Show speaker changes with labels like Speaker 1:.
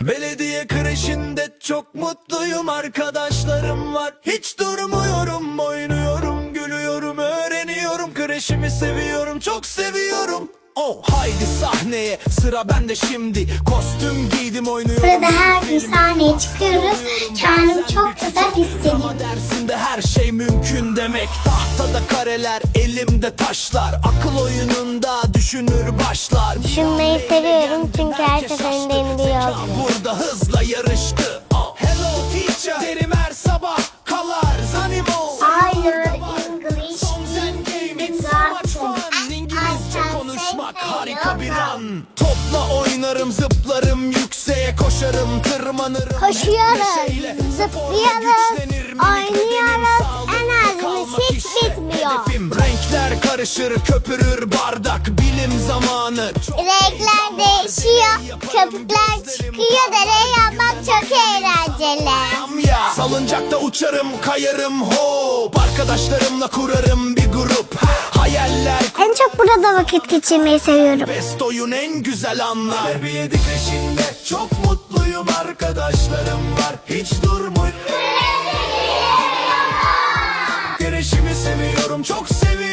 Speaker 1: Belediye kreşinde çok mutluyum, arkadaşlarım var. Hiç durmuyorum, oynuyorum, gülüyorum, öğreniyorum. Kreşimi seviyorum, çok seviyorum. Oh, haydi sahneye, sıra bende şimdi. Kostüm giydim, oynuyorum.
Speaker 2: Burada her gün sahneye çıkıyoruz. Kendimi çok güzel hissediyorum.
Speaker 1: Ama dersinde her şey mümkün demek. Tahtada kareler, elimde taşlar. Akıl oyununda düşünür başlar.
Speaker 2: Düşünmeyi seviyorum çünkü her seferinde yeni bir yol.
Speaker 1: Burada hızla yarıştı. Oh, hello teacher, derim her sabah. Colors, animals.
Speaker 2: I learn English
Speaker 1: Songs and games, it's so much fun. İngilizce konuşmak harika bir an. Topla oynarım, zıplarım, yükseğe koşarım, tırmanırım.
Speaker 2: Koşuyoruz, zıplıyoruz, oynuyoruz. Enerjimiz hiç bitmiyor.
Speaker 1: Hedefim renkler karışır, köpürür bardak, bilim zamanı.
Speaker 2: Renkler değişiyor, köpükler çıkıyor. Deney yapmak çok eğlenceli.
Speaker 1: Salıncakta uçarım, kayarım hop. Arkadaşlarımla kurarım bir grup. Hayaller.
Speaker 2: En çok burada vakit geçirmeyi seviyorum.
Speaker 1: Best oyun, en güzel anlar. Bebeği kreşinde çok mutluyum, arkadaşlarım var. Hiç durmuyorum. Kreşimi seviyorum, çok seviyorum.